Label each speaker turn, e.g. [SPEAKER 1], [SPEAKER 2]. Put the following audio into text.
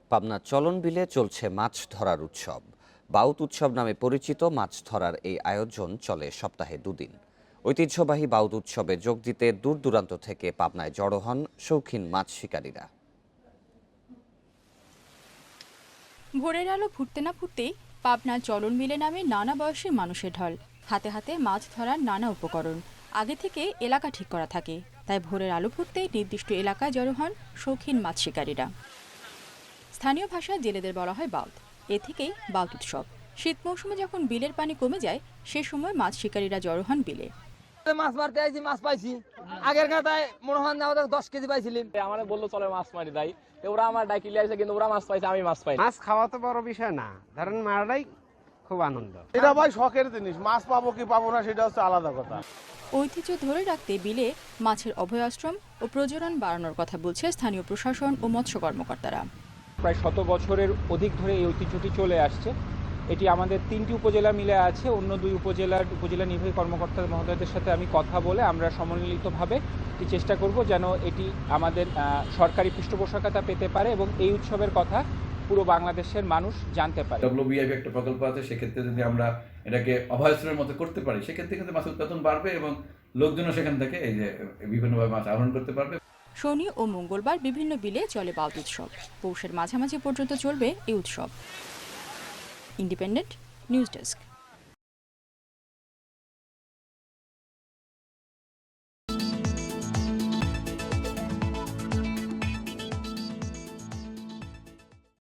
[SPEAKER 1] পাবনার চলন বিলে চলছে মাছ ধরার উৎসব। বাউত উৎসব নামে পরিচিত মাছ ধরার এই আয়োজন চলে সপ্তাহে দুদিন। ঐতিহ্যবাহী বাউত উৎসবে যোগ দিতে দূর দূরান্ত থেকে পাবনায় জড়ো হন শৌখিন মাছ শিকারীরা।
[SPEAKER 2] ভোরের আলো ফুটতে না ফুটতেই পাবনার চলন বিলে নামে নানা বয়সী মানুষের ঢল। হাতে হাতে মাছ ধরার নানা উপকরণ। আগে থেকে এলাকা ঠিক করা থাকে, তাই ভোরের আলো ফুটতেই নির্দিষ্ট এলাকায় জড়ো হন শৌখিন মাছ শিকারীরা। স্থানীয় ভাষায় জেলেদের বলা হয় বাউত। এ থেকেই বাউত উৎসব। শীত মৌসুমে যখন বিলের পানি কমে যায়, সে সময় মাছ শিকারীরা জড়ো হন বিলে।
[SPEAKER 3] মাছ মারতে আইছি, মাছ পাইছি। আগের কাটায় মনে হয় না 10 কেজি পাইছিলাম।
[SPEAKER 4] আমার বললো চলে মাছ মারি তাই ওরা আমার ডাকি লিয়ে আসে, কিন্তু ওরা মাছ পাইছে, আমি মাছ পাই।
[SPEAKER 5] মাছ খাওয়া তো বড় বিষয় না, ধরেন মারাটাই খুব আনন্দ।
[SPEAKER 6] এটা ভাই শখের জিনিস, মাছ পাবো কি পাবো না সেটা হচ্ছে আলাদা কথা।
[SPEAKER 2] ঐতিহ্য ধরে রাখতে বিলে মাছের অভয়াশ্রম ও প্রজনন বাড়ানোর কথা বলছে স্থানীয় প্রশাসন ও মৎস্য কর্মকর্তারা।
[SPEAKER 7] প্রায় 100 বছরের অধিক ধরে এই ঐতিহ্যটি চলে আসছে। এটি আমাদের 3টি উপজেলা মিলে আছে। অন্য 2 উপজেলা নির্বাহী কর্মকর্তা মহোদয়দের সাথে আমি কথা বলে আমরা সমন্বিতভাবে চেষ্টা করব যেন এটি আমাদের সরকারি পৃষ্ঠপোষকতা পেতে পারে এবং এই উৎসবের কথা পুরো বাংলাদেশের মানুষ জানতে পারে।
[SPEAKER 8] WBIP একটা প্রকল্প আছে, সেক্ষেত্রে যদি আমরা এটাকে অভয়াশ্রমের মতো করতে পারি, সেক্ষেত্রে কিন্তু মাছের উৎপাদন বাড়বে এবং লোকজনও সেখান থেকে এই যে বিভিন্নভাবে মাছ আহরণ করতে পারবে।
[SPEAKER 2] শনি ও মঙ্গলবার বিভিন্ন বিলে চলে বাউত উৎসব। পৌষের মাঝামাঝি পর্যন্ত চলবে এই উৎসব। Independent news desk.